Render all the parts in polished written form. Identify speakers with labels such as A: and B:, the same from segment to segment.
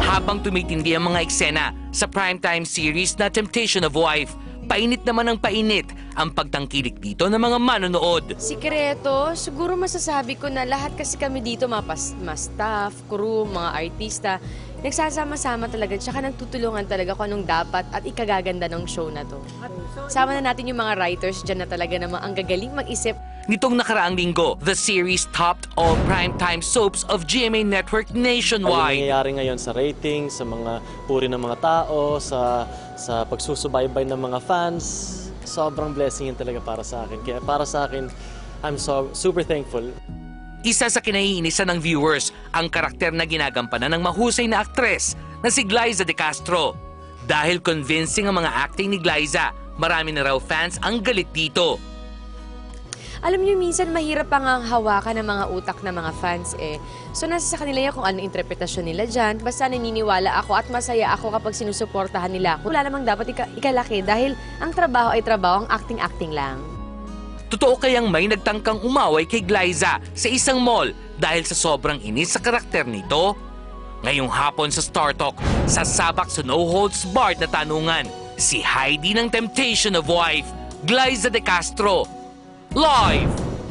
A: Habang tumitindi ang mga eksena sa primetime series na Temptation of Wife, painit naman ang painit ang pagtangkilik dito ng mga manonood.
B: Sikreto, siguro masasabi ko na lahat kasi kami dito, mga staff, crew, mga artista, nagsasama-sama talaga, tsaka nagtutulungan talaga kung anong dapat at ikagaganda ng show na to. Sama na natin yung mga writers dyan na talaga namang ang gagaling mag-isip.
A: Nitong nakaraang linggo, the series topped all primetime soaps of GMA Network
C: Ang
A: nationwide.
C: nangyayari ngayon sa ratings, sa mga puri ng mga tao, sa pagsusubaybay ng mga fans, sobrang blessing yun talaga para sa akin. Kaya para sa akin, I'm super thankful.
A: Isa sa kinaiinisan ng viewers ang karakter na ginagampanan ng mahusay na aktres na si Glyza De Castro. Dahil convincing ang mga acting ni Glyza, marami na raw fans ang galit dito.
B: Alam niyo, minsan mahirap pang ang hawakan ng mga utak ng mga fans eh. So nasa sa kanila yan kung anong interpretasyon nila dyan. Basta naniniwala ako at masaya ako kapag sinusuportahan nila ako. Wala namang dapat ikalaki dahil ang trabaho ay trabaho, ang acting-acting lang.
A: Totoo kayang may nagtangkang umaway kay Glyza sa isang mall dahil sa sobrang inis sa karakter nito? Ngayong hapon sa Star Talk, sasabak sa No Holds Barred na tanungan, si Heidi ng Temptation of Wife, Glyza De Castro, live!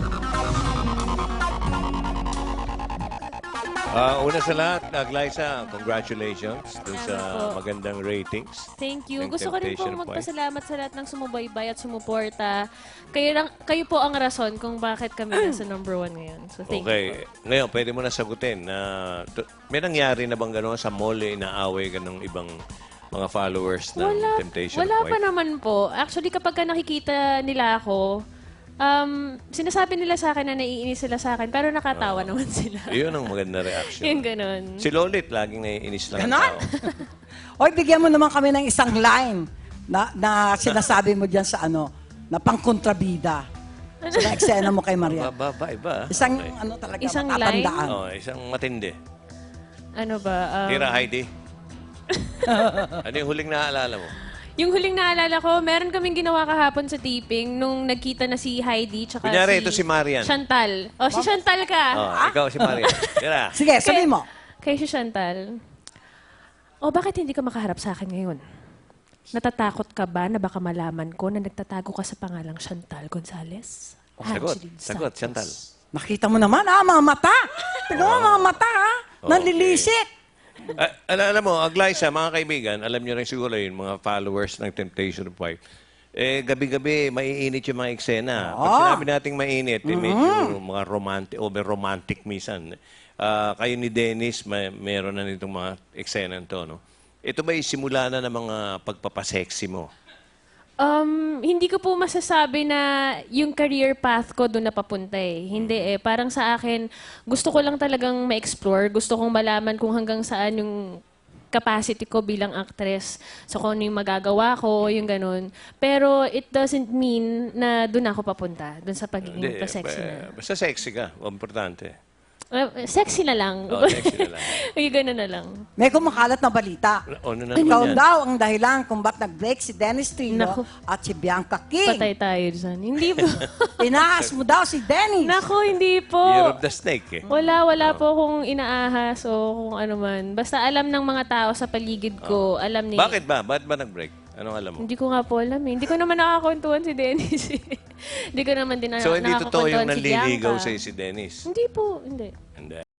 D: Una sa lahat, Glyza, congratulations dun sa magandang ratings.
E: Thank you.
D: ng
E: Gusto ko rin
D: Temptation
E: pong
D: of Wife.
E: magpasalamat sa lahat ng sumubaybay at sumuporta. Kayo po ang rason kung bakit kami nasa #1 ngayon. So thank you
D: Okay.
E: po.
D: Ngayon, pwede mo na sagutin na may nangyari na bang gano'n sa mall, inaaway ka ng ibang mga followers ng Temptation
E: Wala
D: of
E: pa
D: Wife?
E: naman po. Actually, kapag nakikita nila ako, sinasabi nila sa akin na naiinis sila sa akin, pero nakatawa naman sila.
D: Iyon ang maganda reaction.
E: Yung ganun.
D: Si Lolit, laging naiinis lang ang
F: Ganon?
D: tao.
F: Oy, bigyan mo naman kami ng isang line na sinasabi mo dyan sa na pangkontrabida. Sa eksena mo kay Maria.
D: Iba.
F: Isang
D: Okay.
F: talaga
E: Isang
F: matatandaan.
D: Isang matindi.
E: Ano ba?
D: Tira, Heidi. Ano yung huling naaalala mo?
E: Yung huling naalala ko, meron kaming ginawa kahapon sa taping nung nagkita na si Heidi tsaka
D: Kunyari, ito si Marian.
E: Chantal. O, si Chantal ka.
D: Ikaw si Marian. Tira.
F: Sige, sabihin mo.
E: Kay si Chantal. O, bakit hindi ka makaharap sa akin ngayon? Natatakot ka ba na baka malaman ko na nagtatago ka sa pangalang Chantal Gonzales?
D: Sagot, Chantal.
F: Nakita mo naman, mga mata. Tignan mo, mga mata, Nalilisik.
D: Alam mo, Glyza, mga kaibigan, alam nyo rin siguro yun, mga followers ng Temptation of Wife, gabi-gabi, maiinit yung mga eksena. Pag sinabi nating mainit, medyo mga over-romantic minsan. Kayo ni Dennis, meron na nitong mga eksena nito, no? Ito ba simula na ng mga pagpapasexy mo?
E: Hindi ko po masasabi na yung career path ko doon napapunta eh. Hindi eh. Parang sa akin, gusto ko lang talagang ma-explore. Gusto kong malaman kung hanggang saan yung capacity ko bilang actress. So kung ano yung magagawa ko, yung ganun. Pero it doesn't mean na doon ako papunta. Doon sa pagiging pa-sexy na.
D: Basta sexy ka, importante.
E: Sexy na lang.
D: Sexy na lang.
E: Yung ganun na lang.
F: May kumakalat na balita.
D: Ano na
F: Ikaw
D: naman yan?
F: daw ang dahilan kung ba't nag-break si Dennis Trino
E: Naku.
F: at si Bianca King.
E: Patay tayo dyan. Hindi po.
F: Inaas mo daw si Dennis.
E: Naku, hindi po.
D: Year of the Snake, eh.
E: Wala po kung inaahas o kung ano man. Basta alam ng mga tao sa paligid ko, alam ni...
D: Bakit ba? Bakit ba nag-break? Anong alam mo?
E: Hindi ko nga po alam eh. Hindi ko naman nakakakwentuhan si Dennis eh. Hindi ko naman din
D: So, hindi totoo yung
E: nakakakwentuhan si
D: nanliligaw
E: Bianca.
D: sa'yo si Dennis?
E: Hindi po, hindi.
D: Hindi.